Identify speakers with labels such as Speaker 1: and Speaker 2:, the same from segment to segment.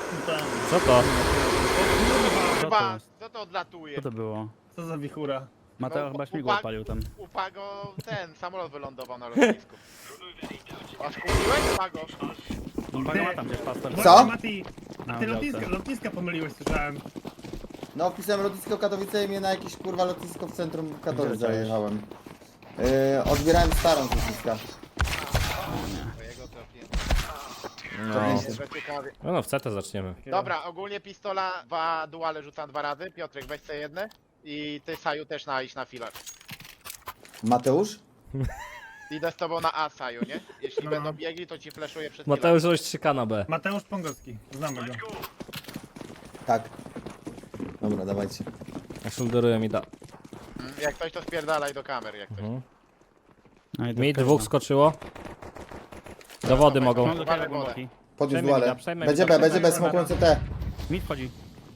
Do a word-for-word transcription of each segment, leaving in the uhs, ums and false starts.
Speaker 1: Co to?
Speaker 2: Chyba, co to odlatuje?
Speaker 3: Co to było?
Speaker 4: Co za wichura?
Speaker 3: Mateo
Speaker 2: No,
Speaker 3: chyba śmigło
Speaker 2: upa-
Speaker 3: odpalił tam.
Speaker 2: U Pago ten samolot wylądował na lotnisku. Aż kupiłeś Pago?
Speaker 3: Pago ma tam gdzieś pastor.
Speaker 5: Co?
Speaker 4: Mati,
Speaker 3: Na
Speaker 4: ty
Speaker 3: działce.
Speaker 4: lotniska, lotniska pomyliłeś, słyszałem.
Speaker 5: No wpisałem lotnisko Katowice i mnie na jakieś kurwa lotnisko w centrum Katowic
Speaker 3: Gdzie leciałeś?
Speaker 5: zajechałem. Yy, odbierałem starą z lotniska.
Speaker 2: Twojego trafiłem.
Speaker 1: No.
Speaker 2: Jest ciekawie.
Speaker 1: No, no w C T zaczniemy.
Speaker 2: Dobra, ogólnie pistola, dwa duale rzucam dwa razy. Piotrek, weź sobie jedne. I ty, Saju, też na iść na filar.
Speaker 5: Mateusz?
Speaker 2: Idę z tobą na A, Saju, nie? Jeśli
Speaker 4: No.
Speaker 2: będą biegli, to ci flashuję przez
Speaker 1: Mateusz roś trzy K na B.
Speaker 4: Mateusz Pongowski, znamy go.
Speaker 5: Tak. Dobra, dawajcie.
Speaker 1: Ja shoulderuję mi da.
Speaker 2: filar. Jak ktoś to spierdalaj do kamer, jak ktoś.
Speaker 1: Mhm.
Speaker 3: No i to
Speaker 1: Mi
Speaker 3: wkazna.
Speaker 1: dwóch skoczyło. Do wody mogą.
Speaker 3: Mam do
Speaker 2: Uważaj,
Speaker 3: tego głęboki.
Speaker 5: Podniósł
Speaker 1: Przejmę
Speaker 5: duale.
Speaker 1: mida, przejmę
Speaker 5: Będzie
Speaker 1: mida,
Speaker 5: B, będzie B,
Speaker 1: przejmę
Speaker 5: smokujący T.
Speaker 3: Mi wchodzi.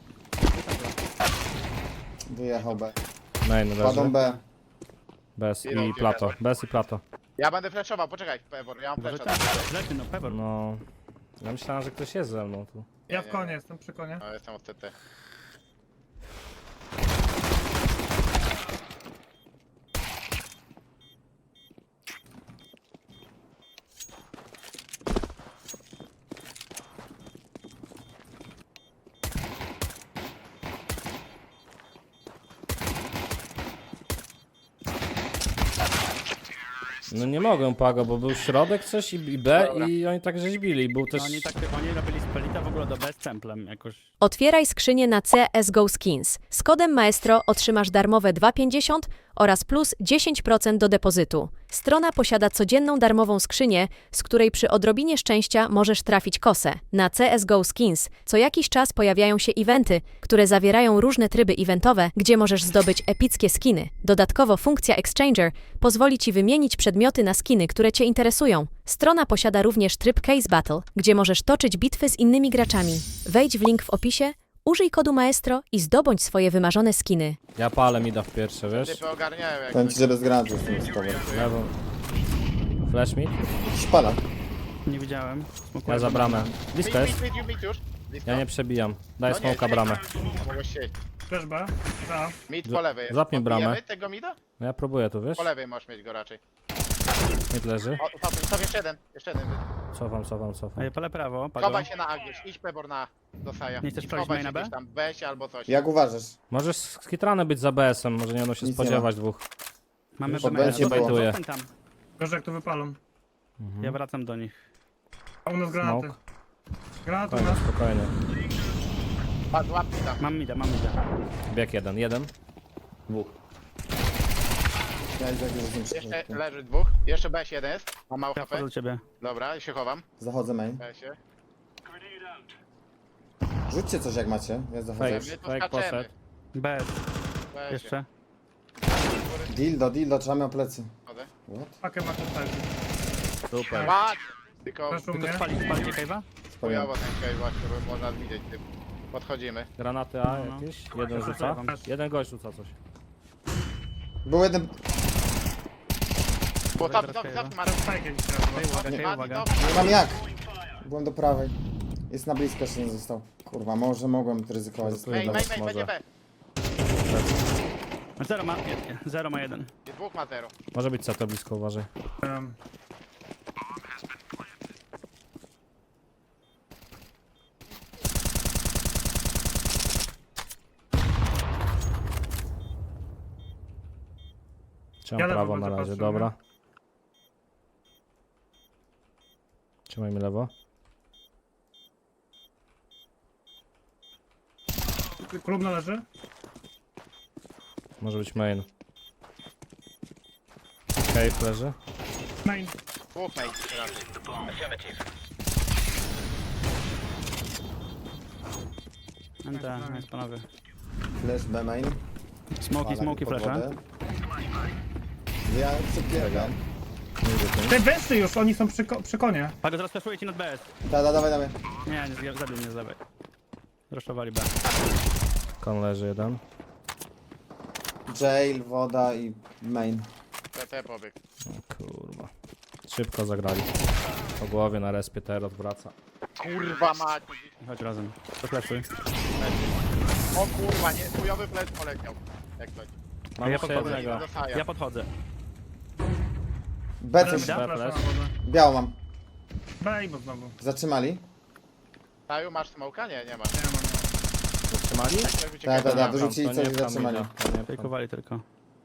Speaker 5: Wyjechał B.
Speaker 1: Main
Speaker 5: Kładą
Speaker 1: leży.
Speaker 5: B.
Speaker 1: Bez i plato. Bez i plato.
Speaker 2: Ja będę flashował, poczekaj, Pebor, ja mam
Speaker 3: Może
Speaker 2: flasha.
Speaker 3: tak. Lepiej no, Pebor.
Speaker 1: No. Ja myślałem, że ktoś jest ze mną tu.
Speaker 4: Ja
Speaker 2: Nie,
Speaker 4: w
Speaker 2: nie,
Speaker 4: konie
Speaker 2: nie.
Speaker 4: jestem, przy konie.
Speaker 2: No, jestem od C T.
Speaker 1: No nie mogę Pago, bo był środek coś i i B
Speaker 2: Dobra.
Speaker 1: i oni tak rzeźbili. Był też...
Speaker 3: No, oni tak, oni robili spelita w ogóle do B z templem jakoś.
Speaker 6: Otwieraj skrzynię na C S G O Skins. Z kodem Maestro otrzymasz darmowe dwa pięćdziesiąt oraz plus dziesięć procent do depozytu. Strona posiada codzienną darmową skrzynię, z której przy odrobinie szczęścia możesz trafić kosę. Na C S G O Skins co jakiś czas pojawiają się eventy, które zawierają różne tryby eventowe, gdzie możesz zdobyć epickie skiny. Dodatkowo funkcja Exchanger pozwoli Ci wymienić przedmioty na skiny, które Cię interesują. Strona posiada również tryb Case Battle, gdzie możesz toczyć bitwy z innymi graczami. Wejdź w link w opisie, użyj kodu Maestro i zdobądź swoje wymarzone skiny.
Speaker 1: Ja palę mi da w pierwsze, wiesz?
Speaker 2: Typy ogarniają jak
Speaker 5: Powiem
Speaker 2: coś.
Speaker 5: ci, że bez granatu jestem z tobą.
Speaker 1: Lewą. Flash mid.
Speaker 5: Szpala.
Speaker 3: Nie widziałem.
Speaker 1: Ja za bramę. Blisko
Speaker 2: Mit,
Speaker 1: jest.
Speaker 2: mit, mit, mit już. Blisko.
Speaker 1: Ja nie przebijam. Daj
Speaker 2: No nie,
Speaker 1: smoka
Speaker 2: nie,
Speaker 1: bramę.
Speaker 2: Mogłeś sieść.
Speaker 4: Też B? Za.
Speaker 2: Mid po lewej jest.
Speaker 1: Zapnij bramę.
Speaker 2: Odbijemy tego mida?
Speaker 1: No ja próbuję tu, wiesz?
Speaker 2: Po lewej możesz mieć go raczej.
Speaker 1: Mid leży.
Speaker 2: O, stop, stop, jeszcze jeden. Jeszcze jeden.
Speaker 1: Cofam, cofam, cofam.
Speaker 3: Ej, pole prawo, Pago.
Speaker 2: Chowaj się na A gdzieś. Idź Pebor na do Saja.
Speaker 3: Nie chcesz
Speaker 2: I
Speaker 3: przejść
Speaker 2: schowaj
Speaker 3: main
Speaker 2: się
Speaker 3: na B?
Speaker 2: gdzieś tam. Weź albo coś.
Speaker 5: Jak uważasz?
Speaker 1: Możesz skitrany być za B S-em, może nie będą się
Speaker 5: Nic nie
Speaker 1: spodziewać dwóch.
Speaker 3: Mamy
Speaker 5: Pod
Speaker 3: B.
Speaker 5: B się
Speaker 3: Zostań,
Speaker 1: bajtuje.
Speaker 3: zostań tam.
Speaker 4: Gorzej jak to wypalą.
Speaker 3: Ja wracam do nich.
Speaker 4: A u nas granaty.
Speaker 1: Smoke.
Speaker 4: Granaty u
Speaker 1: Spokojnie,
Speaker 4: nas.
Speaker 1: spokojnie.
Speaker 2: Patrz, łap mi tam.
Speaker 3: Mam mida, mam mida.
Speaker 1: Bieg jeden, jeden. Dwóch.
Speaker 5: Ja i tak już nie
Speaker 2: Jeszcze
Speaker 5: przychodzę.
Speaker 2: leży dwóch. Jeszcze B S jeden jest. Ma mało
Speaker 3: Ja
Speaker 2: H
Speaker 3: wchodzę
Speaker 2: P.
Speaker 3: do ciebie.
Speaker 2: Dobra, się chowam.
Speaker 5: Zachodzę main.
Speaker 2: B S ie.
Speaker 5: Rzućcie coś jak macie. Ja zachodzę.
Speaker 1: Fake.
Speaker 2: My tu
Speaker 1: Fake
Speaker 2: skaczemy.
Speaker 1: poszedł.
Speaker 3: B.
Speaker 2: B S ie.
Speaker 3: Jeszcze.
Speaker 5: Dildo, dildo, trzymamy o plecy.
Speaker 2: Chodzę.
Speaker 5: What?
Speaker 4: Pakę ma tu stać.
Speaker 1: Super.
Speaker 2: Patrz! Tylko
Speaker 4: Proszę u
Speaker 3: Tylko
Speaker 4: mnie.
Speaker 3: spalić, spalicie cave'a?
Speaker 2: chujowo ten cave właśnie, bo można widzieć tym. Podchodzimy.
Speaker 1: Granaty A
Speaker 3: No, no.
Speaker 1: jakieś? Jeden
Speaker 3: Ja
Speaker 1: rzuca.
Speaker 3: rzucam.
Speaker 1: Jeden gość rzuca coś.
Speaker 5: Był jeden...
Speaker 2: Bo
Speaker 3: Dobra,
Speaker 2: top, top,
Speaker 3: teraz
Speaker 2: top, ma
Speaker 4: Teraz fajkę gdzieś
Speaker 3: Hej,
Speaker 4: teraz.
Speaker 3: uwaga,
Speaker 5: Nie.
Speaker 3: hej, uwaga.
Speaker 5: Nie mam jak. Byłem do prawej. Jest na blisko, jeszcze nie został. Kurwa, może mogłem ryzykować.
Speaker 1: Tu
Speaker 2: Main,
Speaker 1: jeden
Speaker 2: main, main,
Speaker 1: może.
Speaker 2: będzie B.
Speaker 3: Zero ma, nie, nie, zero ma jeden.
Speaker 2: I dwóch ma zero.
Speaker 1: Może być C T blisko, uważaj.
Speaker 4: Um,
Speaker 1: Trzymam
Speaker 4: Ja lewo
Speaker 1: prawo na
Speaker 4: będę
Speaker 1: razie,
Speaker 4: patrzył,
Speaker 1: dobra. Trzymajmy lewo.
Speaker 4: klub należy?
Speaker 1: Może być main. Cave leży.
Speaker 4: Main.
Speaker 2: Dwóch main raczej.
Speaker 3: N T, nice panowie.
Speaker 5: Flash B main.
Speaker 3: Smoki, smoki,
Speaker 5: Pod
Speaker 3: flasha.
Speaker 5: wodę. Ja przepierdam.
Speaker 4: Te wesy już, oni są przy, ko przy konie.
Speaker 3: Pago, zaraz flashuję ci nad B S.
Speaker 5: Da, da, dawaj, dawaj.
Speaker 3: Nie, nie, zabił mnie z lewej. Rushowali B.
Speaker 1: Kon leży jeden.
Speaker 5: Jail, woda i main.
Speaker 2: T T pobieg.
Speaker 1: O kurwa. Szybko zagrali. Po głowie na respie teraz wraca.
Speaker 2: Kurwa mać.
Speaker 3: Chodź razem. Podlecuj.
Speaker 2: O kurwa, nie, chujowy plec poleciał. Jak coś.
Speaker 1: Mam
Speaker 3: Ja
Speaker 1: jeszcze
Speaker 3: podchodzę.
Speaker 1: jednego.
Speaker 2: Do Saja.
Speaker 3: Ja podchodzę.
Speaker 5: B coś.
Speaker 3: Da?
Speaker 4: Flasha na
Speaker 1: flash.
Speaker 4: wodę.
Speaker 5: Biało mam.
Speaker 4: B i bo znowu.
Speaker 5: Zatrzymali?
Speaker 2: Saju, masz smoka? Nie, nie masz.
Speaker 4: Nie mam.
Speaker 1: Zatrzymali?
Speaker 2: Tak,
Speaker 5: Tak,
Speaker 2: uciekaj.
Speaker 5: tak, tak.
Speaker 1: To
Speaker 5: Wyrzucili
Speaker 1: nie
Speaker 5: coś i
Speaker 1: pcham
Speaker 5: zatrzymali.
Speaker 1: mida, to nie pcham.
Speaker 3: Fejkowali tylko.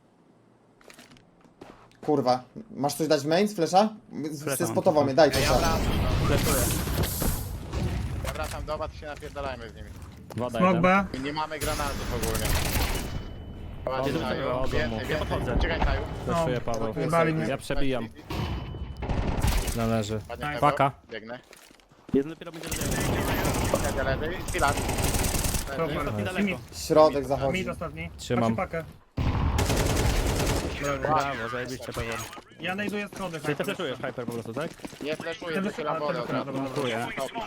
Speaker 5: Kurwa. Masz coś dać main z flesza?
Speaker 3: Flasha
Speaker 5: Ty
Speaker 3: mam
Speaker 5: spotował
Speaker 3: tylko.
Speaker 5: mnie, daj
Speaker 2: Ja
Speaker 5: to.
Speaker 2: wracam, no.
Speaker 3: Flashuję.
Speaker 2: Ja wracam do was i się napierdalajmy z nimi.
Speaker 1: Woda
Speaker 4: Smoke
Speaker 1: jeden.
Speaker 4: B.
Speaker 2: I nie mamy granatów ogólnie. Ładnie,
Speaker 3: Jeden
Speaker 2: Saju.
Speaker 3: zabił,
Speaker 2: Więcej,
Speaker 1: odmów.
Speaker 3: Ja
Speaker 2: więcej.
Speaker 3: podchodzę.
Speaker 2: Czekaj, Saju.
Speaker 1: Fleszuję Paweł.
Speaker 4: Wybali mnie.
Speaker 1: Ja przebijam. Należy.
Speaker 2: Ładnie, Saju.
Speaker 1: Paka.
Speaker 2: Biegnę.
Speaker 3: Jeden dopiero będzie leży.
Speaker 2: Leży, leży. Filar. Leży.
Speaker 4: Dobra.
Speaker 3: Daleko.
Speaker 4: Mid.
Speaker 5: Środek zachodzi.
Speaker 4: Mid ostatni.
Speaker 1: Trzymam.
Speaker 4: Patrzę pakę.
Speaker 3: Brawo, zajebiście Paweł.
Speaker 4: Ja najduję schody.
Speaker 3: Czyli ty flashujesz hyper po prostu, tak?
Speaker 2: Nie fleszuję,
Speaker 4: Ten
Speaker 2: wychylam
Speaker 4: wychyla-
Speaker 2: wodę
Speaker 4: ten
Speaker 2: od razu.
Speaker 4: wychyla,
Speaker 3: dobra.
Speaker 2: Dobra.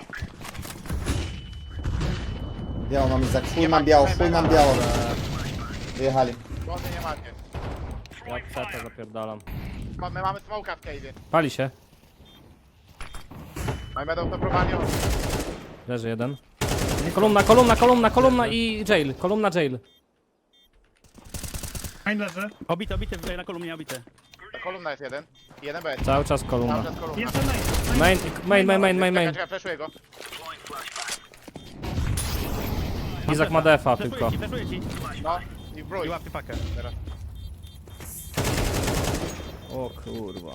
Speaker 5: Biało mam Izak. Chuj
Speaker 2: Nie
Speaker 5: mam
Speaker 2: ma-
Speaker 5: biało,
Speaker 2: nie
Speaker 5: chuj
Speaker 2: ma-
Speaker 5: mam biało. Wyjechali.
Speaker 2: Wody nie macie.
Speaker 1: Ja przeta zapierdalam.
Speaker 2: Ma- My mamy smoka w cave'ie.
Speaker 1: Pali się.
Speaker 2: Oni będą to próbowali od...
Speaker 1: Leży jeden. Kolumna, kolumna, kolumna, kolumna i jail. Kolumna jail.
Speaker 4: Main leży.
Speaker 3: Obity, obity, na kolumnie obity.
Speaker 2: Ta kolumna jest jeden. Jeden B.
Speaker 1: Cały czas
Speaker 2: Cały
Speaker 1: kolumna.
Speaker 2: czas kolumna.
Speaker 4: Jeszcze main.
Speaker 1: Main, main, main, main, main, main.
Speaker 2: Czekaj, czekaj, fleszuję go.
Speaker 1: Izak ma defa
Speaker 3: Flashuję
Speaker 1: tylko.
Speaker 3: ci, flashuję ci.
Speaker 2: No. I wróć.
Speaker 3: I łapię pakę.
Speaker 2: Teraz.
Speaker 1: O kurwa.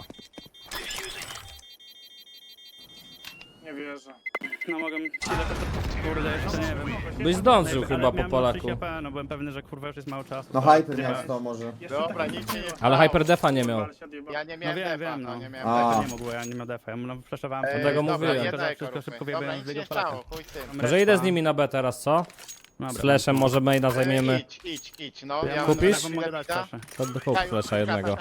Speaker 4: Nie wierzę.
Speaker 3: No mogę... Ile to... Kurde, jeszcze nie wiem.
Speaker 1: Byś zdążył
Speaker 3: Ale
Speaker 1: chyba po
Speaker 3: miałem
Speaker 1: Polaku.
Speaker 3: trzydzieści A P, no byłem pewny, że kurwa już jest mało czasu.
Speaker 5: No hyper miał sto może.
Speaker 2: Dobra, nic się nie
Speaker 1: Ale hyper defa nie miał.
Speaker 2: Ja nie
Speaker 3: No
Speaker 2: miałem
Speaker 3: wiem,
Speaker 2: defa,
Speaker 3: wiem,
Speaker 2: no
Speaker 3: no.
Speaker 2: nie miałem
Speaker 5: A.
Speaker 2: defa.
Speaker 3: Nie mogło, ja nie miałem defa, ja mu flashowałem.
Speaker 2: Ej,
Speaker 1: Dlatego
Speaker 2: dobra,
Speaker 1: mówiłem.
Speaker 2: jedna
Speaker 3: Wszystko
Speaker 2: eko
Speaker 3: szybko
Speaker 2: róbmy.
Speaker 3: wybiegłem
Speaker 2: Dobra,
Speaker 3: z
Speaker 2: nic
Speaker 3: jego
Speaker 2: nie
Speaker 3: Polaka.
Speaker 2: stało, chuj z tym.
Speaker 1: Może idę z nimi na B teraz, co? Z flashem może maina zajmiemy.
Speaker 2: Ej, Idź, idź, idź, no.
Speaker 3: Ja
Speaker 2: Ja
Speaker 1: Kupisz?
Speaker 3: Wam mogę dać proszę.
Speaker 1: To do hook flasha jednego.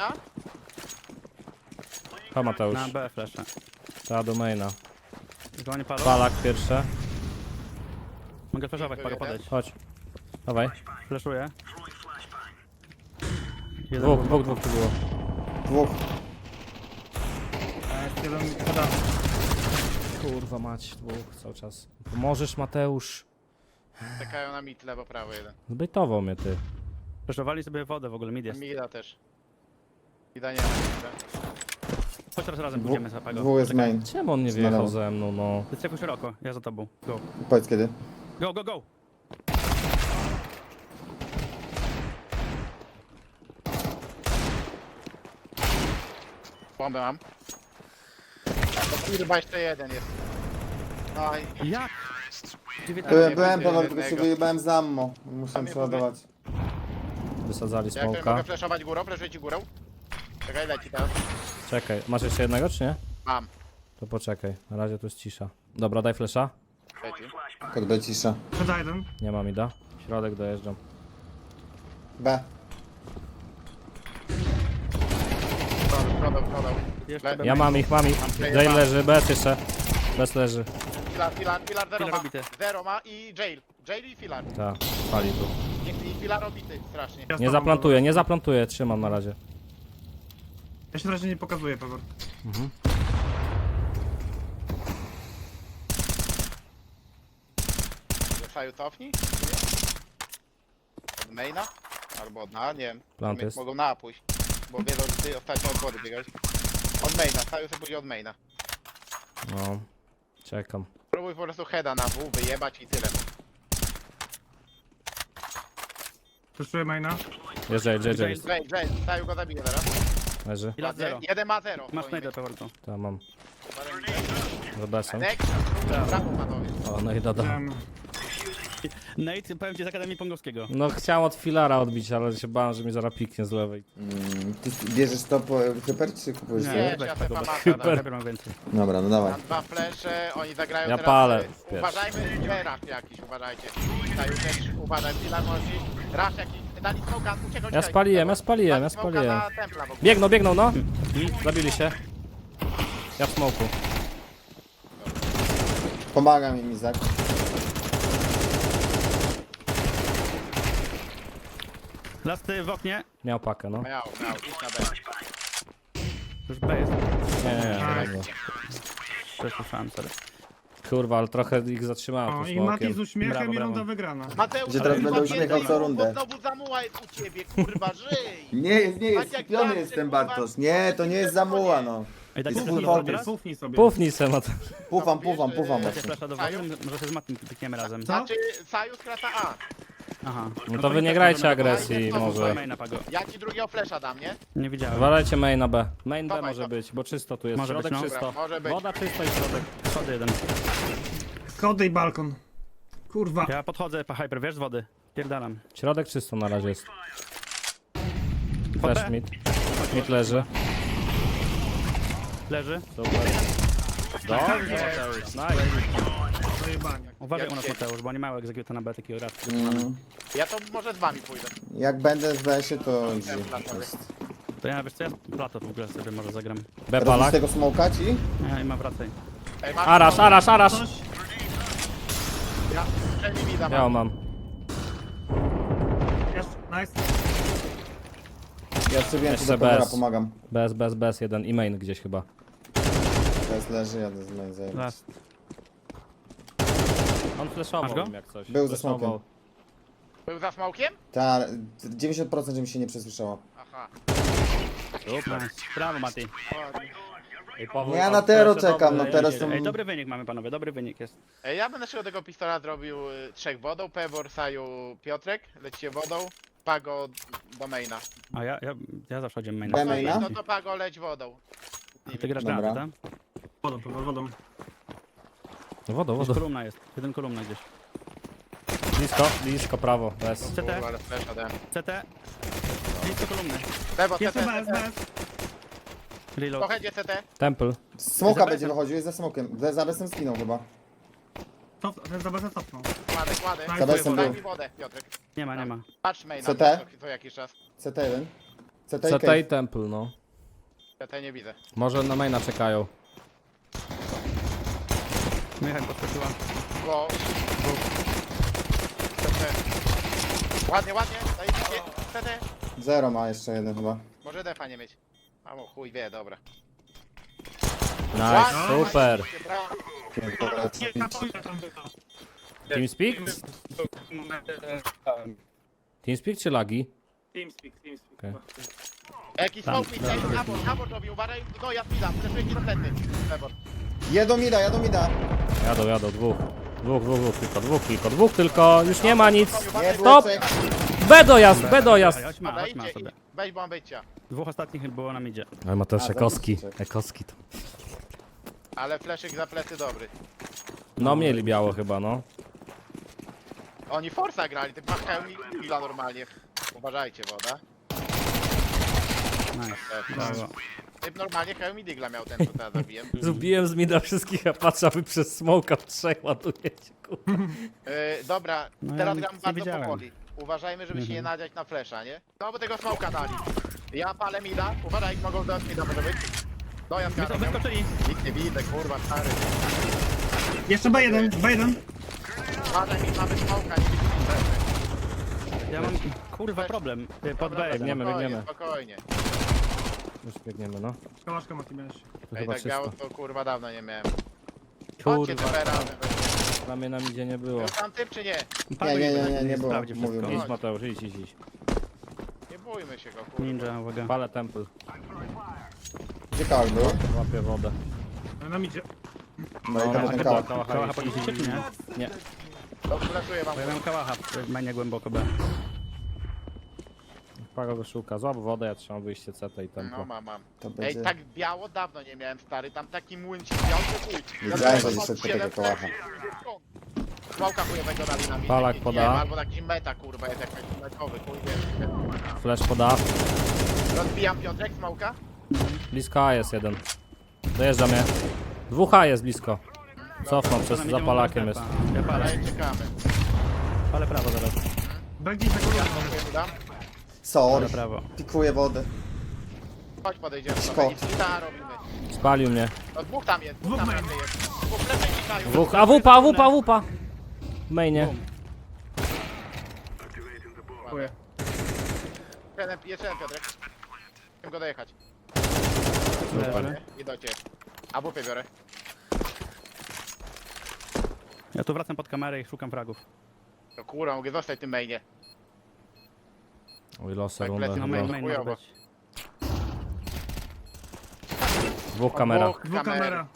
Speaker 1: Ha Mateusz.
Speaker 3: Na B flasha.
Speaker 1: Ta do maina.
Speaker 3: Go nie padł.
Speaker 1: Palak pierwsze.
Speaker 3: Mogę flashować, pago podejść.
Speaker 1: Chodź. Dawaj.
Speaker 3: Flashuję. Jeden
Speaker 1: Dwóch, dwóch, dwóch tu było.
Speaker 5: Dwóch.
Speaker 4: Jeden poda.
Speaker 1: Kurwa mać, dwóch cały czas. Pomożesz Mateusz.
Speaker 2: Czekają na mit, lewo, prawo jeden.
Speaker 1: Zbytował mnie ty.
Speaker 3: Flashowali sobie wodę w ogóle, mid jest.
Speaker 2: Mida też. Mida nie ma. mida.
Speaker 3: Chodź teraz razem
Speaker 5: Dwóch,
Speaker 3: pójdziemy za pago.
Speaker 5: dwóch jest main.
Speaker 1: Czemu on nie
Speaker 5: Znalazł.
Speaker 1: wjechał ze mną, no?
Speaker 3: Jest jakoś szeroko, ja za tobą. Go.
Speaker 5: Powiedz kiedy.
Speaker 3: Go, go, go!
Speaker 2: Bombę mam. To kurwa jeszcze jeden jest. Oj,
Speaker 3: Jak?
Speaker 5: Byłem, byłem
Speaker 2: jednego.
Speaker 5: Paweł, tylko się wyjebałem z ammo. Muszę
Speaker 2: mnie
Speaker 5: przeładować.
Speaker 1: Wysadzali
Speaker 2: jak ktoś
Speaker 1: smoka.
Speaker 2: mogę flashować górą, flashuję ci górą. Czekaj, leci teraz.
Speaker 1: Czekaj, masz jeszcze jednego czy nie?
Speaker 2: Mam.
Speaker 1: To poczekaj, na razie tu jest cisza. Dobra, daj flesza.
Speaker 2: Leci.
Speaker 5: Kod B cisza.
Speaker 4: Poda jeden.
Speaker 1: Nie ma mi da. Środek dojeżdżam.
Speaker 5: B.
Speaker 2: Prodał, prodał, prodał.
Speaker 3: Jeszcze B.
Speaker 1: Ja mam ich, mam ich. Jail leży, bez jeszcze. Bez leży.
Speaker 2: Filar, filar, filar zero
Speaker 3: Filar
Speaker 2: ma.
Speaker 3: obity.
Speaker 2: Zero ma i jail. Jail i filar.
Speaker 1: Tak, pali tu.
Speaker 2: I, i filar obity, strasznie.
Speaker 4: Ja z
Speaker 1: Nie
Speaker 4: tobą,
Speaker 1: zaplantuję, nie zaplantuję, trzymam na razie.
Speaker 4: Ja się na razie nie pokazuję, Paweł.
Speaker 2: Saju cofnij. Od maina? Albo od na, nie wiem.
Speaker 1: Plant jest.
Speaker 2: Mogą na pójść. Bo wiedzą, że ty ostatnio od wody biegałeś. Od maina, Saju sobie pójdzie od maina.
Speaker 1: No, czekam.
Speaker 2: Próbuj po prostu heada na W, wyjebać i tyle.
Speaker 4: Przeszuję maina.
Speaker 1: Jest jail, jail, jail.
Speaker 2: Jail, jail, Saju go zabije zaraz.
Speaker 1: Leży.
Speaker 3: I lat
Speaker 2: Ładnie.
Speaker 3: zero.
Speaker 2: Jeden ma zero.
Speaker 3: Masz
Speaker 2: powinien
Speaker 3: najdę, Paweł.
Speaker 1: Tam mam.
Speaker 2: mieć.
Speaker 1: Za besem.
Speaker 2: Next, brawo panowie.
Speaker 1: O, no i dodam.
Speaker 4: Wiem.
Speaker 3: Nate, powiem ci z Akademii Pongowskiego.
Speaker 1: No chciałem od filara odbić, ale się bałem, że mi zaraz piknie z lewej.
Speaker 5: Mm, ty bierzesz to po hyper czy kupujesz
Speaker 3: Nie,
Speaker 5: nie.
Speaker 2: Nie,
Speaker 3: weź
Speaker 2: ja
Speaker 3: tego,
Speaker 2: sobie
Speaker 3: bez-
Speaker 2: pamata,
Speaker 3: Hyper.
Speaker 2: dam.
Speaker 3: Hyper mam więcej.
Speaker 5: Dobra, no dawaj.
Speaker 2: Mam dwa flesze, oni zagrają
Speaker 1: Ja
Speaker 2: teraz.
Speaker 1: palę
Speaker 2: y,
Speaker 1: pierwszy.
Speaker 2: Uważajmy, dżerach jakiś, uważajcie. Saju też uważaj, filar może. Rasz jakiś, dali smoka, uciekał.
Speaker 1: Ja spaliłem, ja spaliłem, ja spaliłem.
Speaker 2: Na templa w ogóle.
Speaker 1: Biegną, biegną, no. Zabili się. Ja w smoku.
Speaker 5: Pomagam im Izak.
Speaker 3: Lasty w oknie.
Speaker 1: Miał pakę, no.
Speaker 2: Miał, miał, idź na B.
Speaker 3: Już B jest.
Speaker 1: Nie, nie, nie. nie, nie.
Speaker 3: Też słyszałem, sorry.
Speaker 1: Kurwa, ale trochę ich zatrzymałem
Speaker 4: O,
Speaker 1: tym
Speaker 4: i Mati z
Speaker 1: smokiem.
Speaker 4: uśmiechem
Speaker 3: Brawo,
Speaker 4: i
Speaker 3: brawo.
Speaker 4: runda wygrana.
Speaker 2: Mateusz,
Speaker 5: Gdzie teraz
Speaker 2: kurwa,
Speaker 5: będę uśmiechał
Speaker 2: więcej
Speaker 5: co
Speaker 2: ruchu,
Speaker 5: rundę.
Speaker 2: Znowu zamuła jest u ciebie, kurwa, żyj!
Speaker 5: Nie jest, nie jest,
Speaker 2: Tak jak
Speaker 5: skupiony
Speaker 2: zawsze,
Speaker 5: jestem
Speaker 2: kurwa.
Speaker 5: Bartosz. Nie, to nie jest zamuła, no.
Speaker 3: Ej, dacie
Speaker 5: Jest
Speaker 3: flasha
Speaker 5: full
Speaker 3: do
Speaker 5: focus.
Speaker 3: teraz?
Speaker 4: Pufnij sobie.
Speaker 1: Pufnij se, Mat.
Speaker 5: Pufam, pufam, pufam.
Speaker 3: Dacie
Speaker 5: mocno.
Speaker 3: flasha do wody? Może się z Matim pykniemy razem.
Speaker 4: Co?
Speaker 2: Znaczy, Sajus krata A.
Speaker 3: Aha.
Speaker 1: No to wy nie grajcie agresji
Speaker 2: to
Speaker 1: może.
Speaker 3: Maina, Pago.
Speaker 2: Ja ci drugiego flesza dam, nie?
Speaker 3: Nie widziałem.
Speaker 1: Walajcie main na B. Main B
Speaker 2: Dawaj,
Speaker 1: może
Speaker 2: to.
Speaker 1: być, bo czysto tu jest.
Speaker 3: Może
Speaker 1: Środek
Speaker 3: być, no.
Speaker 1: czysto.
Speaker 2: Dobra, może być.
Speaker 1: Woda czysto i środek.
Speaker 3: Schody jeden.
Speaker 4: Schody i balkon. Kurwa.
Speaker 3: Ja podchodzę po hyper, wiesz, z wody. Pierdalam.
Speaker 1: Środek czysto na razie jest.
Speaker 3: Pod
Speaker 1: Flash
Speaker 3: B.
Speaker 1: mid. Mid leży.
Speaker 3: Leży.
Speaker 1: Super. Dobrze, Mateusz. Nice.
Speaker 4: Zajebanie.
Speaker 3: Uważaj
Speaker 2: Jak
Speaker 3: u nas,
Speaker 2: siedzi.
Speaker 3: Mateusz, bo nie mają egzekuta na B takiego raz.
Speaker 5: Mm.
Speaker 2: Ja to może z wami pójdę.
Speaker 5: Jak będę w besie, to easy.
Speaker 3: To ja, wiesz co, ja plato w ogóle sobie może zagram.
Speaker 1: B
Speaker 5: Robisz
Speaker 1: palak.
Speaker 5: tego smoka ci?
Speaker 3: Nie, nie ma wracaj.
Speaker 2: Ej, masz
Speaker 1: Arasz, arasz, arasz.
Speaker 4: Coś?
Speaker 2: Ja, przejmij mi dam.
Speaker 1: Ja mam.
Speaker 4: Jest, nice.
Speaker 5: Ja jeszcze więcej
Speaker 1: Jeszcze
Speaker 5: do covera
Speaker 1: bez.
Speaker 5: pomagam.
Speaker 1: Bez, bez, bez. Jeden i main gdzieś chyba.
Speaker 5: Bez leży, jadę z main zajebać.
Speaker 3: Last.
Speaker 1: On
Speaker 3: Masz
Speaker 1: flashował
Speaker 3: go?
Speaker 1: im jak coś.
Speaker 5: Był ze
Speaker 1: Flashował.
Speaker 5: smokiem.
Speaker 2: Był za smokiem?
Speaker 5: Ta, dziewięćdziesiąt procent, że mi się nie przesłyszało.
Speaker 2: Aha.
Speaker 1: Super.
Speaker 3: Nice. Brawo, Mati.
Speaker 1: Ej, Paweł,
Speaker 5: Ja
Speaker 1: a
Speaker 5: na tero
Speaker 1: flasze
Speaker 5: czekam,
Speaker 1: dobre.
Speaker 5: no teraz to...
Speaker 3: Ej, dobry wynik mamy, panowie, dobry wynik jest.
Speaker 2: Ej, ja będę szedł tego pistola zrobił y, trzech wodą, Pebor, Saju, Piotrek, lecicie wodą, Pago do maina.
Speaker 3: A ja, ja, ja zawsze chodzę main.
Speaker 5: B
Speaker 2: No, i-
Speaker 5: maina?
Speaker 2: no to Pago leć wodą.
Speaker 3: Ty grasz
Speaker 5: Dobra.
Speaker 3: na tak?
Speaker 4: Wodą, wodą, wodą.
Speaker 1: Wodą,
Speaker 3: Gdzieś
Speaker 1: wodą.
Speaker 3: kolumna jest, jeden kolumna gdzieś.
Speaker 1: Blisko, blisko, prawo. Bez.
Speaker 3: C
Speaker 2: Kurwa,
Speaker 3: T,
Speaker 2: ale flesza dałem.
Speaker 3: C T. Blisko kolumny.
Speaker 2: Bebo,
Speaker 4: Jest
Speaker 2: C T,
Speaker 4: bez,
Speaker 2: C T.
Speaker 4: bez.
Speaker 3: Reload.
Speaker 2: Pochedzie C T.
Speaker 1: Temple.
Speaker 5: Smoka
Speaker 3: Za
Speaker 5: będzie
Speaker 3: besem.
Speaker 5: wychodził, jest za smokiem. Za, za besem skinął chyba.
Speaker 4: Cof, ten za bezem cofnął.
Speaker 2: Kładę, kładę.
Speaker 4: Za
Speaker 5: Za besem
Speaker 2: Daj
Speaker 5: był.
Speaker 2: mi wodę, Piotrek.
Speaker 3: Nie ma, nie ma.
Speaker 2: Patrz maina
Speaker 5: C T?
Speaker 2: co, co jakiś czas.
Speaker 5: C T jeden. C T i
Speaker 1: C T i
Speaker 5: cave.
Speaker 1: Temple, no.
Speaker 2: C T nie widzę.
Speaker 1: Może na maina czekają.
Speaker 3: Michał podskoczyła.
Speaker 2: Bo... C T. Ładnie, ładnie. Daj mi C T.
Speaker 5: Zero ma jeszcze jeden chyba.
Speaker 2: Może defa nie mieć. A mu chuj wie, dobra.
Speaker 1: Nice,
Speaker 2: Ładnie,
Speaker 1: super.
Speaker 2: brawo.
Speaker 4: Nie, na pójdę tam wycha.
Speaker 1: Teamspeak? Teamspeak czy lagi?
Speaker 4: Teamspeak, teamspeak.
Speaker 1: Okej.
Speaker 4: chyba.
Speaker 2: Jakiś
Speaker 3: Tam,
Speaker 2: smoke mi tutaj, abort, abort robi, uważaj. No ja spidam, fleszuje ci do plecy. Abort.
Speaker 5: Jedą mida, jadą mida.
Speaker 1: Jadą, jadą, dwóch. Dwóch, dwóch, dwóch, tylko, dwóch, tylko, dwóch, tylko. Już nie ma nic.
Speaker 5: Nie było
Speaker 1: Stop!
Speaker 5: trzech.
Speaker 1: B dojazd, B dojazd.
Speaker 3: Chodź ma, chodź ma
Speaker 2: Podejdźcie
Speaker 3: sobie.
Speaker 2: i weź bombycia.
Speaker 3: Dwóch ostatnich było na midzie.
Speaker 1: Ale Mateusz,
Speaker 5: A,
Speaker 1: Ekoski.
Speaker 5: zabić,
Speaker 1: Ekoski to.
Speaker 2: Ale fleszyk za plecy dobry.
Speaker 1: No mieli biało chyba, no.
Speaker 2: Oni Forza grali, ty machają mi chwila normalnie. Uważajcie, woda.
Speaker 3: Nice.
Speaker 2: E,
Speaker 3: Brawo.
Speaker 2: Typ normalnie Hełm i Digla miał ten, co teraz zabiłem.
Speaker 1: Zbiłem z mida wszystkich, a patrzę, a wy przez smoka w trzech ładujecie, kurwa.
Speaker 2: E, dobra,
Speaker 3: No ja
Speaker 2: teraz
Speaker 3: nic
Speaker 2: gram
Speaker 3: nie
Speaker 2: bardzo
Speaker 3: widziałem.
Speaker 2: powoli. Uważajmy, żeby się nie
Speaker 3: Mhm.
Speaker 2: nadziać na flesza, nie? No bo tego smoka dali. Ja palę mida, uważaj, mogą dać mida, może być. Dojazd
Speaker 3: Wysko-
Speaker 2: garną.
Speaker 3: Wyskoczyli.
Speaker 2: Nic nie widzę, kurwa, stary.
Speaker 4: Jeszcze B jeden, B jeden.
Speaker 2: Uważaj, mi mamy smoka, nie widzimy flesza.
Speaker 3: Ja mam, kurwa, problem. Y, Pod B.
Speaker 1: Biegniemy,
Speaker 2: Spokojnie,
Speaker 1: biegniemy.
Speaker 2: Spokojnie.
Speaker 1: Już biegniemy, no.
Speaker 4: Kołaszka Mati miałeś.
Speaker 1: To
Speaker 2: Ej,
Speaker 1: chyba
Speaker 2: tak biało
Speaker 1: czysto.
Speaker 2: to kurwa dawno nie miałem. Chodźcie
Speaker 1: Kurwa,
Speaker 2: te razem.
Speaker 1: dla mnie na midzie nie było.
Speaker 2: Był tam typ czy nie?
Speaker 5: Nie, nie, nie, nie, nie było.
Speaker 3: Sprawdzi
Speaker 5: Mówił
Speaker 3: wszystko.
Speaker 5: mi.
Speaker 1: Idź Mateusz, idź, idź, idź.
Speaker 2: Nie bójmy się go, kurwa.
Speaker 3: Ninja, uwaga.
Speaker 1: Palę temple,
Speaker 5: Gdzie kałak był?
Speaker 1: łapię wodę.
Speaker 4: Na midzie.
Speaker 5: No i
Speaker 1: No,
Speaker 5: tam
Speaker 1: no,
Speaker 5: ten
Speaker 1: chyba
Speaker 5: kałak.
Speaker 1: kałacha
Speaker 3: Kałacha
Speaker 1: jest.
Speaker 3: podniesiecie, czy nie?
Speaker 1: Nie.
Speaker 2: To flaszuję wam.
Speaker 3: Bo ja miałem kałacha w mainie głęboko B.
Speaker 1: Pago wyszuka, złap wodę, ja trzymam wyjście C T i
Speaker 2: No
Speaker 1: tempo.
Speaker 2: mam, mam.
Speaker 5: To
Speaker 2: Ej,
Speaker 5: będzie...
Speaker 2: tak biało dawno nie miałem, stary. Tam taki młyncik biał, że chuj.
Speaker 5: Wiedziałem, że
Speaker 2: Ja
Speaker 5: jeszcze
Speaker 2: tam
Speaker 5: takiego
Speaker 2: siedem
Speaker 5: kołacha.
Speaker 2: fleszów. Smoka chujowego dali na mnie.
Speaker 1: Palak
Speaker 2: Nie
Speaker 1: poda.
Speaker 2: wiem, albo jakiś meta, kurwa, jest jakiś metowy, chuj wie.
Speaker 1: Flash poda.
Speaker 2: Rozbijam Piotrek, smoka.
Speaker 1: Blisko A jest jeden. Dojeżdża mnie. Dwóch A jest blisko. Cofnął
Speaker 3: To
Speaker 1: przez
Speaker 3: na midzie
Speaker 1: zapalakiem
Speaker 3: mogą
Speaker 1: jest.
Speaker 3: strefa. Ja palę,
Speaker 2: Ale czekamy.
Speaker 3: palę prawo zaraz.
Speaker 4: B gdzieś za kolumną.
Speaker 2: Dziękuję, dam.
Speaker 5: Sorry.
Speaker 3: Palę prawo.
Speaker 5: Pikuję wodę.
Speaker 2: Chodź, podejdziemy
Speaker 5: Szkod.
Speaker 2: sobie. I splita robimy.
Speaker 1: Spalił mnie.
Speaker 2: No dwóch tam jest, dwóch
Speaker 4: Dwóch
Speaker 2: tam
Speaker 4: main.
Speaker 2: raczej jest. Dwóch lewej mikają.
Speaker 1: Dwóch. A wupa, wupa, wupa. W mainie.
Speaker 4: Dziękuję.
Speaker 2: Jeden, jeszcze jeden Piotrek. Chcę go dojechać.
Speaker 3: Leży.
Speaker 2: I do ciebie. A bupy biorę.
Speaker 3: Ja tu wracam pod kamerę i szukam fragów.
Speaker 2: To kurwa, mogę zostać w tym mainie.
Speaker 1: Oj, losy
Speaker 2: Tak,
Speaker 1: rundę
Speaker 2: lecę
Speaker 3: No
Speaker 2: Chyba.
Speaker 3: main,
Speaker 1: chyba.
Speaker 3: main może
Speaker 2: chujowo.
Speaker 3: być.
Speaker 1: Dwóch kamera.
Speaker 2: Dwóch
Speaker 4: Dwóch kamera.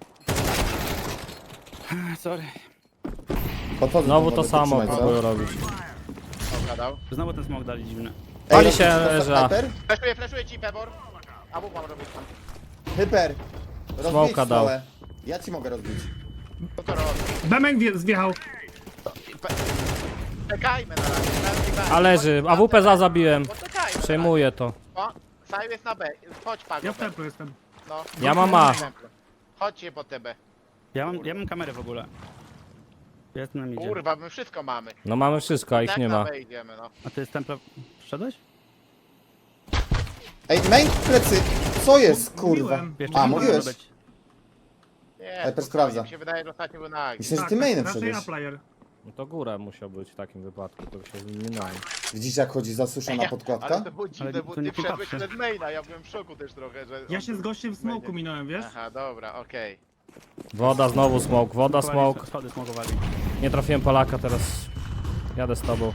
Speaker 3: Sorry.
Speaker 5: Podchodzę
Speaker 1: Znowu
Speaker 5: do
Speaker 1: to
Speaker 5: wody,
Speaker 1: samo
Speaker 5: trzymaj, co?
Speaker 1: próbuję robić.
Speaker 2: Dobra, dał.
Speaker 3: Znowu ten smok dali dziwny.
Speaker 5: Ej,
Speaker 1: Pali
Speaker 5: robisz
Speaker 1: się,
Speaker 5: to
Speaker 1: leży.
Speaker 5: Hyper?
Speaker 2: Fleszuję, fleszuję ci, Pebor. A bu mam robić tam.
Speaker 5: Hyper! Rozbić
Speaker 1: Smoka dał.
Speaker 5: stałe. Ja ci mogę rozbić.
Speaker 2: Co to robi?
Speaker 4: Bemek wje- zjechał.
Speaker 2: Pe- Czekajmy na razie. na razie.
Speaker 1: A leży, A W P za zabiłem.
Speaker 2: Poczekajmy.
Speaker 1: Przejmuję to.
Speaker 2: O, Saju jest na B. Chodź, Pago.
Speaker 4: Ja w templu jestem.
Speaker 2: No.
Speaker 1: Ja mam A.
Speaker 2: Chodźcie po T B.
Speaker 3: Ja mam, ja mam kamerę w ogóle. Ja jestem na midzie.
Speaker 2: Kurwa, my wszystko mamy.
Speaker 1: No mamy wszystko, a ich
Speaker 2: Tak
Speaker 1: nie
Speaker 2: na
Speaker 1: ma.
Speaker 2: B idziemy, no.
Speaker 3: A ty z templa wszedłeś?
Speaker 5: Ej, main plecy! Co jest, kurwa?
Speaker 4: Mówiłem.
Speaker 3: Jeszcze
Speaker 5: A,
Speaker 3: nie
Speaker 5: mówiłeś?
Speaker 3: może być.
Speaker 2: Nie,
Speaker 5: Hyper
Speaker 2: spokojnie,
Speaker 5: sprawdza.
Speaker 2: Mi się wydaje, że ostatnio był na Agi.
Speaker 5: Myślę, że
Speaker 4: Tak,
Speaker 5: ty mainem
Speaker 4: raczej
Speaker 5: wszedłeś.
Speaker 4: A-player.
Speaker 1: No to góra musiał być w takim wypadku, to się minąłem.
Speaker 5: Widzisz, jak chodzi zasuszona
Speaker 2: Ale
Speaker 5: podkładka?
Speaker 2: to było dziwne,
Speaker 3: Ale
Speaker 2: bo
Speaker 3: to nie
Speaker 2: ty wszedłeś
Speaker 3: patrzy.
Speaker 2: przed maina, ja byłem w szoku też trochę, że...
Speaker 4: Ja
Speaker 2: on
Speaker 4: się z
Speaker 2: był
Speaker 4: gościem w smoku
Speaker 2: mainie.
Speaker 4: minąłem, wiesz?
Speaker 2: Aha, dobra, okej.
Speaker 1: Woda, znowu smoke, woda,
Speaker 3: Smokowali,
Speaker 1: smoke.
Speaker 3: Schody smokowali.
Speaker 1: Nie trafiłem Polaka, teraz jadę z tobą.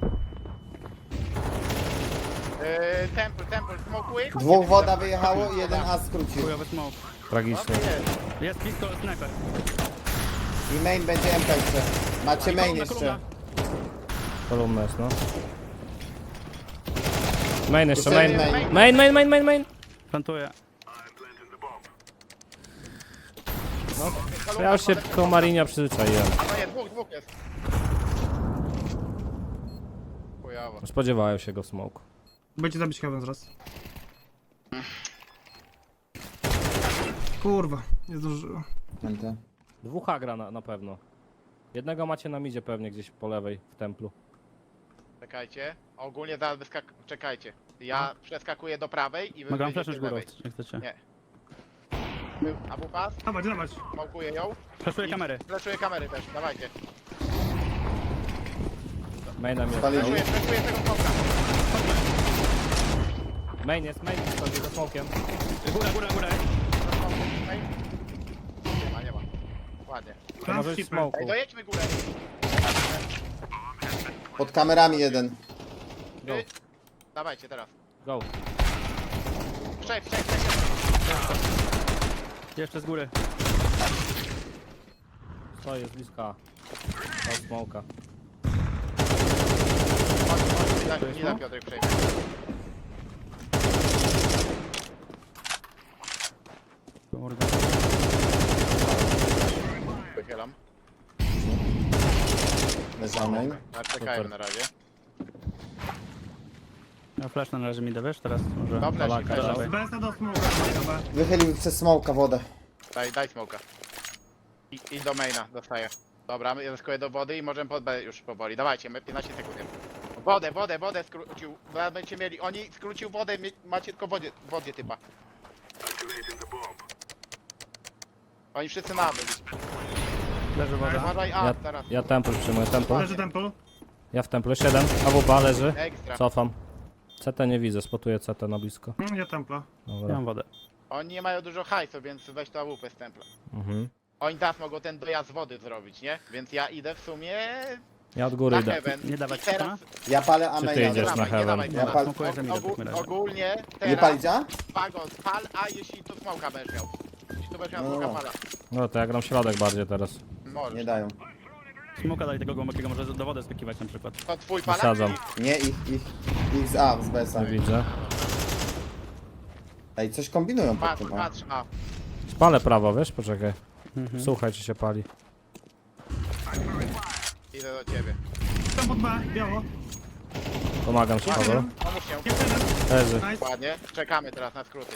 Speaker 2: Yy, temple, temple, smokuj.
Speaker 5: Dwóch woda wyjechało i jeden as skrócił.
Speaker 3: Chujowy smok.
Speaker 1: Tragicznie.
Speaker 2: Jest.
Speaker 3: Jest blisko sniper.
Speaker 5: I main będzie M P jeszcze. Macie main
Speaker 3: kolumna,
Speaker 5: jeszcze.
Speaker 3: kolumna.
Speaker 1: Kolumna jest, no. Main jeszcze,
Speaker 5: Jeszcze
Speaker 1: main.
Speaker 5: main.
Speaker 1: Main, main, main, main, main.
Speaker 3: Plantuję.
Speaker 1: Ja już się koło Marinia przyzwyczaiłem.
Speaker 2: No nie, dwóch, dwóch jest. Chujowo.
Speaker 1: Spodziewałem się go w smoku.
Speaker 4: Będzie zabić heaven zaraz. Kurwa, nie zdążyłem.
Speaker 5: M T.
Speaker 1: Dwóch A gra na, na pewno. Jednego macie na midzie pewnie gdzieś po lewej w templu.
Speaker 2: Czekajcie. Ogólnie zaraz wyskak... Czekajcie. Ja przeskakuję do prawej i wy
Speaker 3: Mogę wam
Speaker 2: wyjdziecie
Speaker 3: flashnąć
Speaker 2: z
Speaker 3: górą,
Speaker 2: lewej.
Speaker 3: jak chcecie.
Speaker 2: Nie. A bu pas,
Speaker 4: Dawać, dawać.
Speaker 2: smokuję ją.
Speaker 3: Flashuję
Speaker 2: I
Speaker 3: kamery.
Speaker 2: Fleszuję kamery też, dawajcie.
Speaker 1: Maina mnie.
Speaker 5: Spalili.
Speaker 2: Fleszuję, fleszuję tego smoka.
Speaker 1: Main jest, main jest, chodzi za smokiem.
Speaker 3: Góra, góra, góra.
Speaker 2: Nie ma, nie ma. Ładnie.
Speaker 1: To może być w smoku.
Speaker 2: Ej, dojedźmy górę.
Speaker 5: Pod kamerami jeden.
Speaker 1: Go,
Speaker 2: Wy- Dawajcie teraz.
Speaker 1: go.
Speaker 2: Trzech, trzech, trzech.
Speaker 3: Jeszcze z góry.
Speaker 1: To jest bliska. To smoka.
Speaker 2: Chodź, chodź, nie da, nie da Piotrek przejść.
Speaker 3: Kurde.
Speaker 2: Wychylam.
Speaker 5: Leżał main.
Speaker 2: A czekajmy na razie.
Speaker 3: Ja flash na razie mi da, wiesz? Teraz może...
Speaker 2: No flash,
Speaker 1: Polaka,
Speaker 2: flash.
Speaker 3: dawaj.
Speaker 4: Z B S a do smoka. Dobra.
Speaker 5: Wychylił przez smoka wodę.
Speaker 2: Daj, daj smoka. I, I do maina dostaję. Dobra, ja zeskuję do wody i możemy pod B już powoli. Dawajcie, my piętnaście sekund. Wodę, wodę, wodę skrócił. Zaraz będziecie mieli. Oni skrócił wodę, mie- macie tylko wodzie, wodzie typa. Oni wszyscy na byli.
Speaker 3: Leży woda.
Speaker 2: Uważaj, a
Speaker 1: Ja,
Speaker 2: teraz.
Speaker 1: ja temple przyjmuję, temple.
Speaker 4: Leży temple.
Speaker 1: Ja w temple, siedem. A W P leży.
Speaker 2: Ekstra.
Speaker 1: Cofam. C T nie widzę, spotuję C T na blisko.
Speaker 4: Mm, Ja templa.
Speaker 3: Ja
Speaker 1: Dobra.
Speaker 3: mam wodę.
Speaker 2: Oni nie mają dużo hajsu, więc weź to A W P z templa.
Speaker 1: Mhm.
Speaker 2: Oni teraz mogą ten dojazd wody zrobić, nie? Więc ja idę w sumie
Speaker 1: Ja od góry
Speaker 2: na
Speaker 1: idę.
Speaker 2: heaven.
Speaker 3: Nie dawać
Speaker 2: I teraz...
Speaker 5: Ja palę a
Speaker 1: Czy ty
Speaker 5: maina.
Speaker 1: idziesz
Speaker 2: dawaj,
Speaker 1: na
Speaker 2: nie
Speaker 1: heaven?
Speaker 2: dawaj
Speaker 5: Ja
Speaker 2: teraz.
Speaker 5: pal-
Speaker 3: Smokuję za mida w takim razie.
Speaker 2: Ogólnie
Speaker 5: Nie
Speaker 2: teraz...
Speaker 5: palić a?
Speaker 2: Pago, pal A, jeśli tu smoka będziesz miał. Jeśli tu będziesz miał
Speaker 5: No,
Speaker 2: smoka,
Speaker 5: no.
Speaker 2: pala.
Speaker 1: No to ja gram środek bardziej teraz.
Speaker 2: Możesz.
Speaker 5: Nie dają.
Speaker 3: Smoka dali tego głębokiego, może do wody skakiwać na przykład.
Speaker 2: To twój pala?
Speaker 1: Wysadzam.
Speaker 5: Nie, ich, ich, ich z A, z B S a.
Speaker 1: Nie widzę.
Speaker 5: Ej, coś kombinują pod
Speaker 2: Patrz,
Speaker 5: tym A.
Speaker 2: patrz, a.
Speaker 1: Spalę prawo, wiesz? Poczekaj.
Speaker 3: Mhm.
Speaker 1: Słuchaj, czy się pali.
Speaker 2: Idę do ciebie.
Speaker 4: Tam pod B, biało.
Speaker 1: Pomagam ci, Paweł.
Speaker 4: Jeden.
Speaker 2: Pomóż się.
Speaker 4: Jeszcze jeden.
Speaker 1: Leży.
Speaker 4: Nice.
Speaker 2: Ładnie. Czekamy teraz na skróty.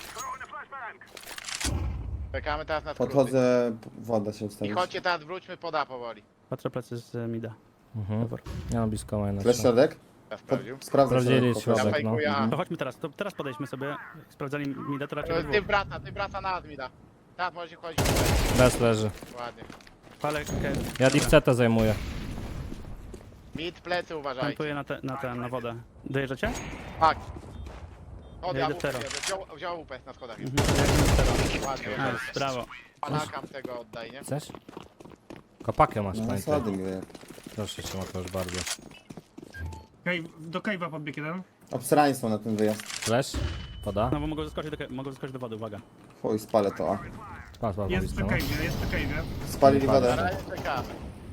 Speaker 2: Czekamy teraz na skróty.
Speaker 5: Podchodzę, woda się
Speaker 2: I
Speaker 5: ustawić.
Speaker 2: chodźcie teraz, wróćmy poda powoli.
Speaker 3: Patrzę plecy z e, mida.
Speaker 1: Mhm. Ja mam blisko maina.
Speaker 5: Flash środek?
Speaker 2: Ja
Speaker 5: Pod,
Speaker 2: sprawdził.
Speaker 5: sprawdzę
Speaker 1: Sprawdzili
Speaker 5: środek,
Speaker 1: środek.
Speaker 5: poproszę.
Speaker 2: Ja
Speaker 1: no.
Speaker 2: fejkuję A.
Speaker 3: To chodźmy teraz, to teraz podejdźmy sobie. Jak sprawdzali mida, to raczej
Speaker 2: E,
Speaker 3: było.
Speaker 2: Ty wraca, ty wraca na Admida. Teraz możecie chodzić.
Speaker 1: Bez leży.
Speaker 2: Ładnie.
Speaker 3: Palę okay.
Speaker 1: Ja ich C T zajmuję.
Speaker 2: Mid, plecy uważajcie.
Speaker 3: Plantuję na, te, na, te, na wodę. Dojeżdżacie?
Speaker 2: Tak. Od
Speaker 3: Ja
Speaker 2: ja
Speaker 3: idę
Speaker 2: W P
Speaker 3: teraz.
Speaker 2: bierze. Wziął, wziął U P na schodach.
Speaker 3: Mhm.
Speaker 2: Ładnie.
Speaker 3: Nice, brawo.
Speaker 2: Palakam tego oddaj, nie?
Speaker 1: Chcesz? Kopakę masz,
Speaker 5: No
Speaker 1: pamiętaj.
Speaker 5: schody mi wyjechał.
Speaker 1: Proszę cię, Mateusz, bardzo.
Speaker 4: Cave, do cave'a podbiegł jeden.
Speaker 5: Obsrani są na ten wyjazd.
Speaker 1: Flash? Woda?
Speaker 3: No bo mogą zaskoczyć do, mogą zaskoczyć do wody, uwaga.
Speaker 5: Chuj, spalę to, a.
Speaker 1: Patrz, patrz,
Speaker 4: Jest przy
Speaker 1: patrz.
Speaker 4: cave'ie, jest przy cave'ie.
Speaker 5: Spalili
Speaker 2: Na
Speaker 5: wodę.
Speaker 2: razie czekamy.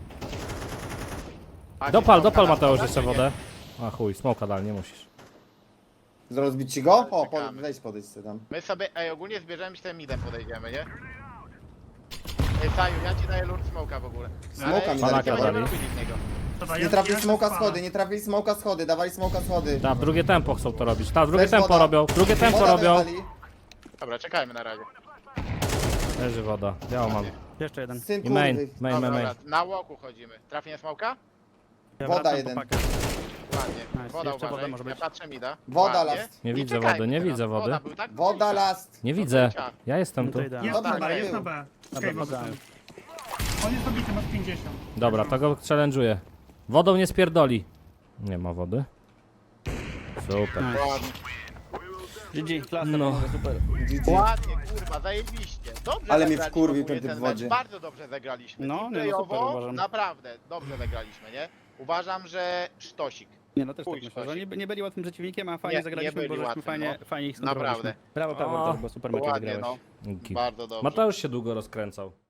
Speaker 2: Macie
Speaker 1: Dopal,
Speaker 2: smoka
Speaker 1: dopal
Speaker 2: na
Speaker 1: Mateusz
Speaker 2: wodę,
Speaker 1: jeszcze
Speaker 2: czy nie?
Speaker 1: wodę. A chuj, smoka dal, nie musisz.
Speaker 5: Rozbić ci go? O, po,
Speaker 2: Czekamy.
Speaker 5: weź podejść sobie tam.
Speaker 2: My sobie, ej, ogólnie zbierzemy się tym midem podejdziemy, nie? Ej, Saju, ja ci daję lord smoka w ogóle.
Speaker 5: Smoka mi
Speaker 2: Ale
Speaker 1: dali.
Speaker 2: nie będziemy
Speaker 1: dali.
Speaker 2: robili z niego.
Speaker 4: Dobra,
Speaker 5: Nie
Speaker 4: ja-
Speaker 5: trafili
Speaker 4: ja
Speaker 5: smoka
Speaker 4: spalę.
Speaker 5: schody, nie trafili smoka schody, dawali smoka schody.
Speaker 1: Tak, w drugie tempo chcą to robić. Tak, w drugie
Speaker 5: Flash
Speaker 1: tempo
Speaker 5: woda.
Speaker 1: robią, w drugie tempo
Speaker 5: Woda
Speaker 1: robią.
Speaker 5: dali.
Speaker 2: Dobra, czekajmy na razie.
Speaker 1: Leży woda, białą mam.
Speaker 3: Jeszcze jeden.
Speaker 5: Syn
Speaker 1: I main,
Speaker 5: kurwy.
Speaker 1: main,
Speaker 2: Dobra,
Speaker 1: main, main.
Speaker 2: dobra, na łoku chodzimy. Trafienie smoka?
Speaker 3: Ja
Speaker 5: Woda
Speaker 3: wracam
Speaker 5: jeden.
Speaker 3: po pakę.
Speaker 2: Ładnie.
Speaker 3: Nice.
Speaker 2: Woda
Speaker 3: Jeszcze woda
Speaker 2: uważaj.
Speaker 3: może
Speaker 2: Ja
Speaker 3: być.
Speaker 2: patrzę mida.
Speaker 5: Woda
Speaker 2: Ładnie.
Speaker 5: last.
Speaker 1: Nie
Speaker 2: I
Speaker 1: widzę
Speaker 2: czekajmy
Speaker 1: wody, nie
Speaker 2: teraz.
Speaker 1: widzę wody.
Speaker 2: Woda był, tak?
Speaker 5: Woda last.
Speaker 1: Nie
Speaker 2: No to
Speaker 1: widzę.
Speaker 2: ciach.
Speaker 1: Ja jestem
Speaker 3: No
Speaker 1: tu.
Speaker 3: to idealnie.
Speaker 4: Jest na
Speaker 5: Dobra,
Speaker 4: B, jest
Speaker 5: był.
Speaker 4: na B. Z
Speaker 3: Dobra,
Speaker 4: cave'a
Speaker 3: woda.
Speaker 4: został. On jest obity, masz pięćdziesiąt.
Speaker 1: Dobra, to go challenge'uję. Wodą nie spierdoli. Nie ma wody. Super.
Speaker 2: Ładnie.
Speaker 3: G G, klasa,
Speaker 1: No.
Speaker 3: no. super.
Speaker 5: G G.
Speaker 2: Ładnie, kurwa, zajebiście. Dobrze
Speaker 5: Ale mnie
Speaker 2: zagraliśmy
Speaker 5: wkurwił
Speaker 2: ogólnie
Speaker 5: ten typ w
Speaker 2: mecz.
Speaker 5: wodzie.
Speaker 2: Bardzo dobrze zagraliśmy.
Speaker 3: No,
Speaker 2: I
Speaker 3: nie, no super,
Speaker 2: playowo
Speaker 3: uważam.
Speaker 2: naprawdę dobrze zagraliśmy, nie? Uważam, że sztosik.
Speaker 3: Nie no, też tak
Speaker 2: Chuj,
Speaker 3: myślę, że
Speaker 2: sztosik.
Speaker 3: nie, nie byli łatwym przeciwnikiem, a fajnie
Speaker 2: Nie,
Speaker 3: zagraliśmy,
Speaker 2: nie byli
Speaker 3: bo żeśmy
Speaker 2: łatwym,
Speaker 3: fajnie,
Speaker 2: no.
Speaker 3: fajnie ich
Speaker 2: Naprawdę.
Speaker 3: skontrolowaliśmy. Brawo, Pawor,
Speaker 1: O,
Speaker 3: też, bo super mecze
Speaker 2: Ładnie,
Speaker 3: wygrałeś.
Speaker 2: no.
Speaker 1: Dzięki.
Speaker 2: Bardzo dobrze.
Speaker 1: Mateusz się długo rozkręcał.